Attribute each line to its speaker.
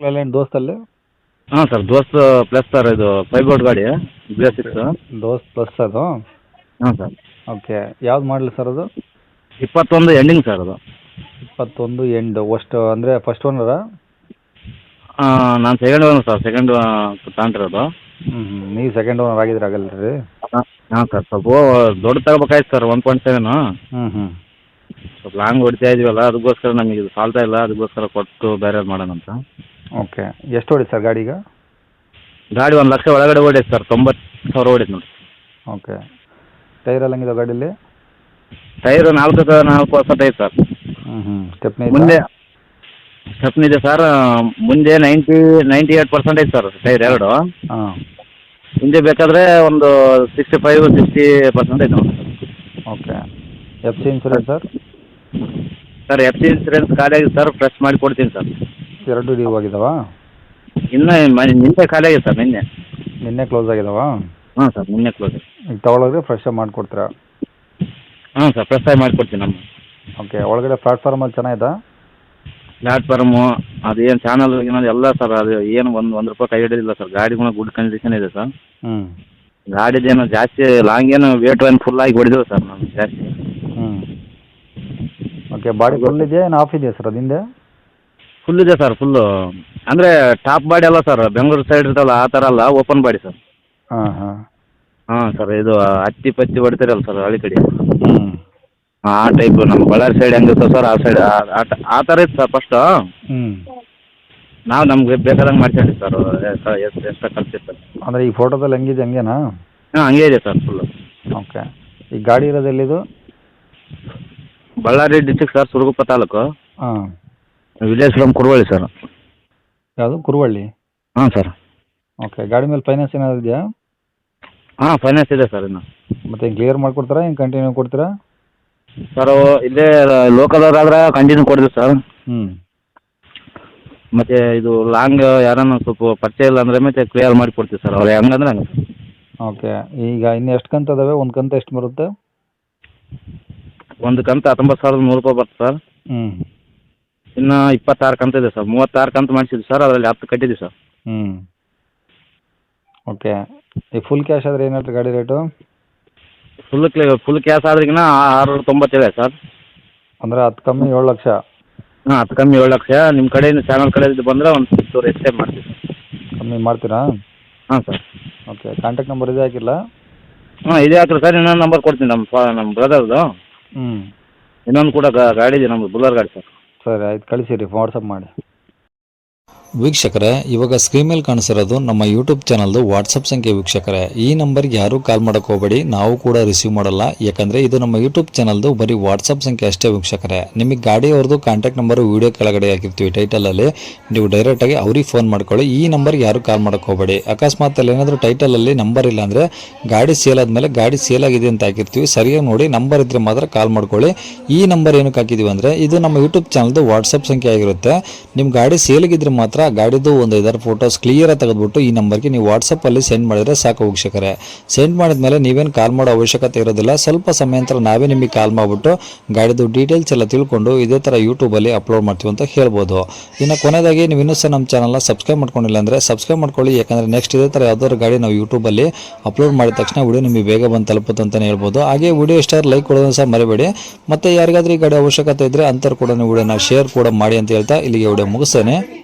Speaker 1: Silent ದೋಸ್ತಲ್ಲಿ.
Speaker 2: ಹಾಂ sir, ದೋಸ್ತ್ plus sir, ಇದು 5 ಬೋರ್ಡ್ ಗಾಡಿ BS6.
Speaker 1: ದೋಸ್ತ್ ಪ್ಲಸ್ ಅದು.
Speaker 2: ಹಾಂ ಸರ್.
Speaker 1: ಓಕೆ, ಯಾವ್ದು ಮಾಡಲಿ ಸರ್ ಅದು?
Speaker 2: 21 ಎಂಡಿಂಗ್ ಸರ್ ಅದು.
Speaker 1: 21 ಎಂಡ್ ಅಷ್ಟು ಅಂದರೆ ಫಸ್ಟ್ ಓನರಾ?
Speaker 2: ನಾನು ಸೆಕೆಂಡ್ ಓನರ್ ಸರ್, ಸೆಕೆಂಡ್ ತಗೊಂಡಿರೋದು.
Speaker 1: ನೀವು ಸೆಕೆಂಡ್ ಓನರ್ ಆಗಿದ್ರೆ ಆಗಲ್ಲ ರೀ?
Speaker 2: ಹಾಂ ಸರ್, ಸ್ವಲ್ಪ ದೊಡ್ಡ ತಗೋಬೇಕಾಯ್ತು ಸರ್, 1.7. ಸ್ವಲ್ಪ ಲಾಂಗ್ ಹೊಡಿತಾ ಇದೀವಲ್ಲ, ಅದಕ್ಕೋಸ್ಕರ ನಮಗೆ ಇದು ಸಾಲ್ತಾ ಇಲ್ಲ, ಅದಕ್ಕೋಸ್ಕರ ಕೊಟ್ಟು ಬೇರೆ ಮಾಡೋಣ ಅಂತ.
Speaker 1: ಓಕೆ, ಎಷ್ಟು ಹೊಡಿ ಸರ್ ಗಾಡಿಗೆ?
Speaker 2: ಗಾಡಿ 1 ಲಕ್ಷ ಒಳಗಡೆ ಓಡೈತೆ ಸರ್, 90,000 ಓಡೈತೆ ನೋಡಿ.
Speaker 1: ಓಕೆ, ಟೈರ್ ಎಲ್ಲ ಹೆಂಗಿದೆ ಗಾಡೀಲಿ?
Speaker 2: ಟೈರು 4 ಐತೆ ಸರ್.
Speaker 1: ಸ್ಟೆಪ್ನಿ
Speaker 2: ಮುಂದೆ ಸ್ಟೆಪ್ನಿ ಇದೆ ಸರ್. ಮುಂದೆ 98% ಐತೆ ಸರ್ ಟೈರ್ ಎರಡು.
Speaker 1: ಹಾಂ.
Speaker 2: ಹಿಂದೆ ಬೇಕಾದರೆ ಒಂದು 65-60% ಐತೆ ನೋಡಿ.
Speaker 1: Okay, FC insurance sir?
Speaker 2: Sir FC insurance ಖಾಲಿ ಆಗಿದೆ ಸರ್, ಫ್ರೆಶ್ ಮಾಡಿ ಕೊಡ್ತೀನಿ ಸರ್.
Speaker 1: 2 ಡ್ಯೂ ಆಗಿದಾವಾ?
Speaker 2: ಇನ್ನೂ ನಿನ್ನೆ ಖಾಲಿ ಆಗಿದೆ ಸರ್,
Speaker 1: ನಿನ್ನೆ ಕ್ಲೋಸ್ ಆಗಿದಾವಾ?
Speaker 2: ಹಾಂ ಸರ್, ನಿನ್ನೆ ಕ್ಲೋಸ್.
Speaker 1: ಈಗ ತೊಗೊಳೋದ್ರೆ ಫ್ರೆಶ್ ಮಾಡಿಕೊಡ್ತೀರಾ?
Speaker 2: ಹಾಂ ಸರ್, ಫ್ರೆಶ್ ಆಗಿ ಮಾಡಿಕೊಡ್ತೀನಿ ನಮ್ಮ.
Speaker 1: ಓಕೆ, ಒಳಗಡೆ ಪ್ಲಾಟ್ಫಾರ್ಮಲ್ಲಿ ಚೆನ್ನಾಗಿದೆ?
Speaker 2: ಪ್ಲಾಟ್ಫಾರ್ಮು ಅದೇನು ಚಾನಲ್ ಏನಾದ್ರು ಎಲ್ಲ ಸರ್, ಅದು ಏನು ಒಂದು ರೂಪಾಯಿ ಕೈ ಹಿಡಿದಿಲ್ಲ ಸರ್. ಗಾಡಿ ಕೂಡ ಗುಡ್ ಕಂಡೀಷನ್ ಇದೆ ಸರ್. ಗಾಡಿದೇನು ಜಾಸ್ತಿ ಲಾಂಗ್ ಏನು ವೇಟ್ ಏನು ಫುಲ್ ಆಗಿ ಹೊಡಿದಿಲ್ಲ ಸರ್ ನಾನು ಜಾಸ್ತಿ.
Speaker 1: ಓಕೆ, ಬಾಡಿ ಫುಲ್ ಇದೆಯಾ ಏನು ಆಫ್ ಇದೆಯಾ ಸರ್ ಅದಿಂದೆ?
Speaker 2: ಫುಲ್ ಇದೆ ಸರ್, ಫುಲ್ಲು. ಅಂದರೆ ಟಾಪ್ ಬಾಡಿ ಅಲ್ಲ ಸರ್, ಬೆಂಗಳೂರು ಸೈಡ್ ಇರ್ತಲ್ಲ ಆ ಥರ ಅಲ್ಲ, ಓಪನ್ ಬಾಡಿ ಸರ್. ಹಾಂ ಸರ್, ಇದು ಹತ್ತಿ ಪತ್ತಿ ಹೊಡಿತಾರಲ್ಲ ಸರ್ ಹಳ್ಳಿ ಕಡೆ, ಆ ಟೈಪು. ನಮ್ಮ ಬಳ್ಳಾರಿ ಸೈಡ್ ಹೆಂಗಿರ್ತದೆ ಸರ್, ಆ ಸೈಡ್ ಆ ಥರ ಇತ್ತು ಸರ್ ಫಸ್ಟು. ನಾವು ನಮ್ಗೆ ಬೇಕಾದಂಗೆ ಮಾಡ್ಕೊಂಡ್ವಿ ಸರ್, ಎಷ್ಟು ಖರ್ಚಿರ್ತದೆ.
Speaker 1: ಅಂದರೆ ಈ ಫೋಟೋದಲ್ಲಿ ಹೆಂಗಿದೆ ಹಂಗೇನಾ?
Speaker 2: ಹಾಂ, ಹಂಗೆ ಇದೆ ಸರ್ ಫುಲ್ಲು.
Speaker 1: ಓಕೆ, ಈ ಗಾಡಿ ಇರೋದು ಎಲ್ಲಿದು?
Speaker 2: Ballari district sir, Siruguppa taluk.
Speaker 1: ಹಾಂ.
Speaker 2: Village from Kuruvalli sir.
Speaker 1: ಯಾವುದು, ಕುರುವಳ್ಳಿ?
Speaker 2: ಹಾಂ ಸರ್.
Speaker 1: ಓಕೆ, ಗಾಡಿ ಮೇಲೆ ಫೈನಾನ್ಸ್ ಏನಾದ್ರು ಇದೆಯಾ?
Speaker 2: ಹಾಂ, ಫೈನಾನ್ಸ್ ಇದೆ ಸರ್ ಇನ್ನು.
Speaker 1: ಮತ್ತೆ ಹಿಂಗೆ ಕ್ಲಿಯರ್ ಮಾಡಿಕೊಡ್ತಾರಾ, ಹಿಂಗೆ ಕಂಟಿನ್ಯೂ ಕೊಡ್ತೀರಾ?
Speaker 2: ಸರ್ ಇಲ್ಲೇ ಲೋಕಲ್ದವ್ರಾದ್ರೆ ಕಂಟಿನ್ಯೂ ಕೊಡ್ತೀವಿ ಸರ್. ಮತ್ತು ಇದು ಲಾಂಗ್ ಯಾರನ್ನ ಸ್ವಲ್ಪ ಪರಿಚಯ ಇಲ್ಲ ಅಂದರೆ ಮತ್ತೆ ಕ್ಲಿಯರ್ ಮಾಡಿ ಕೊಡ್ತೀವಿ ಸರ್, ಅವ್ರು ಹೆಂಗಂದ್ರೆ ಹಂಗೆ.
Speaker 1: ಓಕೆ, ಈಗ ಇನ್ನು ಎಷ್ಟು ಕಂತು ಅದಾವೆ? ಒಂದು ಕಂತು ಎಷ್ಟು ಬರುತ್ತೆ?
Speaker 2: ಒಂದು ಕಂತು 19,100 ರೂಪಾಯಿ ಬರ್ತದೆ ಸರ್. ಇನ್ನು 26 ಕಂತು ಇದೆ ಸರ್. 36 ಕಂತು ಮಾಡಿಸಿದ್ವಿ ಸರ್, ಅದರಲ್ಲಿ 10 ಕಟ್ಟಿದ್ದೀವಿ ಸರ್.
Speaker 1: ಓಕೆ, ಈ ಫುಲ್ ಕ್ಯಾಶ್ ಆದರೆ ಏನು ಹೇಳ್ತೀರಿ ಗಾಡಿ ರೇಟು?
Speaker 2: ಫುಲ್ ಕ್ಯಾಶ್ ಆದ್ರಿಗಿನ 697 ಸರ್.
Speaker 1: ಅಂದರೆ 10 ಕಮ್ಮಿ 7 ಲಕ್ಷ?
Speaker 2: ಹಾಂ, 10 ಕಮ್ಮಿ 7 ಲಕ್ಷ. ನಿಮ್ಮ ಕಡೆಯಿಂದ ಚಾನಲ್ ಕಡೆಯಿಂದ ಬಂದರೆ ಒಂದು 6 ಹೆಚ್ಚೇ ಮಾಡ್ತೀವಿ ಸರ್.
Speaker 1: ಕಮ್ಮಿ ಮಾಡ್ತೀರಾ?
Speaker 2: ಹಾಂ ಸರ್.
Speaker 1: ಓಕೆ, ಕಾಂಟ್ಯಾಕ್ಟ್ ನಂಬರ್ ಇದೇ ಹಾಕಿಲ್ಲ?
Speaker 2: ಹಾಂ, ಇದೇ ಹಾಕಿರಿ ಸರ್. ಇನ್ನೊಂದು ನಂಬರ್ ಕೊಡ್ತೀನಿ ನಮ್ಮ ಬ್ರದರ್ದು. ಇನ್ನೊಂದು ಕೂಡ ಗಾಡಿ ಇದೆ ನಮ್ಮದು, ಬುಲ್ಲರ್ ಗಾಡಿ ಸರ್.
Speaker 1: ಸರಿ, ಆಯ್ತು, ಕಳಿಸಿರಿ, ವಾಟ್ಸಪ್ ಮಾಡಿ.
Speaker 3: ವೀಕ್ಷಕರೇ, ಇವಾಗ ಸ್ಕ್ರೀನ್ ಮೇಲೆ ಕಾಣಿಸಿರೋದು ನಮ್ಮ ಯೂಟ್ಯೂಬ್ ಚಾನಲ್ದು ವಾಟ್ಸಪ್ ಸಂಖ್ಯೆ. ವೀಕ್ಷಕರೇ, ಈ ನಂಬರ್ಗೆ ಯಾರೂ ಕಾಲ್ ಮಾಡೋಕೆ ಹೋಗಬೇಡಿ, ನಾವು ಕೂಡ ರಿಸೀವ್ ಮಾಡಲ್ಲ. ಯಾಕಂದರೆ ಇದು ನಮ್ಮ ಯೂಟ್ಯೂಬ್ ಚಾನಲ್ದು ಬರೀ ವಾಟ್ಸಪ್ ಸಂಖ್ಯೆ ಅಷ್ಟೇ. ವೀಕ್ಷಕರೇ, ನಿಮಗೆ ಗಾಡಿಯವ್ರದ್ದು ಕಾಂಟ್ಯಾಕ್ಟ್ ನಂಬರು ವೀಡಿಯೋ ಕೆಳಗಡೆ ಹಾಕಿರ್ತೀವಿ ಟೈಟಲಲ್ಲಿ, ನೀವು ಡೈರೆಕ್ಟಾಗಿ ಅವ್ರಿಗೆ ಫೋನ್ ಮಾಡ್ಕೊಳ್ಳಿ. ಈ ನಂಬರ್ಗೆ ಯಾರೂ ಕಾಲ್ ಮಾಡೋಕೆ ಹೋಗಬೇಡಿ. ಅಕಸ್ಮಾತ್ ಅಲ್ಲಿ ಏನಾದರೂ ಟೈಟಲಲ್ಲಿ ನಂಬರ್ ಇಲ್ಲ ಅಂದರೆ, ಗಾಡಿ ಸೇಲ್ ಆದಮೇಲೆ ಗಾಡಿ ಸೇಲ್ ಆಗಿದೆ ಅಂತ ಹಾಕಿರ್ತೀವಿ, ಸರಿಯಾಗಿ ನೋಡಿ ನಂಬರ್ ಇದ್ದರೆ ಮಾತ್ರ ಕಾಲ್ ಮಾಡ್ಕೊಳ್ಳಿ. ಈ ನಂಬರ್ ಏನಕ್ಕೆ ಹಾಕಿದ್ದೀವಿ ಅಂದರೆ, ಇದು ನಮ್ಮ ಯೂಟ್ಯೂಬ್ ಚಾನಲ್ದು ವಾಟ್ಸಪ್ ಸಂಖ್ಯೆ ಆಗಿರುತ್ತೆ. ನಿಮ್ಮ ಗಾಡಿ ಸೇಲಿಗಿದ್ರೆ ಮಾತ್ರ ಗಾಡಿದು ಒಂದು 5 ಫೋಟೋಸ್ ಕ್ಲಿಯರಾಗಿ ತೆಗೆದುಬಿಟ್ಟು ಈ ನಂಬರ್ಗೆ ನೀವು ವಾಟ್ಸಪ್ಪಲ್ಲಿ ಸೆಂಡ್ ಮಾಡಿದರೆ ಸಾಕು. ವೀಕ್ಷಕರೇ, ಸೆಂಡ್ ಮಾಡಿದ್ಮೇಲೆ ನೀವೇನು ಕಾಲ್ ಮಾಡೋ ಅವಶ್ಯಕತೆ ಇರೋದಿಲ್ಲ. ಸ್ವಲ್ಪ ಸಮಯ ನಂತರ ನಾವೇ ನಿಮಗೆ ಕಾಲ್ ಮಾಡಿಬಿಟ್ಟು ಗಾಡಿದು ಡೀಟೇಲ್ಸ್ ಎಲ್ಲ ತಿಳ್ಕೊಂಡು ಇದೇ ಥರ ಯೂಟ್ಯೂಬಲ್ಲಿ ಅಪ್ಲೋಡ್ ಮಾಡ್ತೀವಿ ಅಂತ ಹೇಳ್ಬೋದು. ಇನ್ನು ಕೊನೆಯದಾಗಿ ನೀವು ಇನ್ನೂ ಸಹ ನಮ್ಮ ಚಾನಲ್ನ ಸಬ್ಸ್ಕ್ರೈಬ್ ಮಾಡ್ಕೊಂಡಿಲ್ಲ ಅಂದರೆ ಸಬ್ಸ್ಕ್ರೈಬ್ ಮಾಡ್ಕೊಳ್ಳಿ. ಯಾಕಂದರೆ ನೆಕ್ಸ್ಟ್ ಇದೇ ಥರ ಯಾವ್ದಾದ್ರು ಗಾಡಿ ನಾವು ಯೂಟ್ಯೂಬಲ್ಲಿ ಅಪ್ಲೋಡ್ ಮಾಡಿದ ತಕ್ಷಣ ವಿಡಿಯೋ ನಿಮಗೆ ಬೇಗ ಬಂದು ತಲುಪುತ್ತೆ ಅಂತಲೇ ಹೇಳ್ಬೋದು. ಹಾಗೆ ವಿಡಿಯೋ ಇಷ್ಟ ಲೈಕ್ ಕೊಡೋದನ್ನು ಸಹ ಮರಿಬೇಡಿ. ಮತ್ತು ಯಾರಿಗಾದ್ರೂ ಈ ಗಾಡಿ ಅವಶ್ಯಕತೆ ಇದ್ದರೆ ಅಂಥವ್ರು ಕೂಡ ವಿಡಿಯೋನ ಶೇರ್ ಕೂಡ ಮಾಡಿ ಅಂತ ಹೇಳ್ತಾ ಇಲ್ಲಿಗೆ ವಿಡಿಯೋ ಮುಗಿಸ್ತೇನೆ.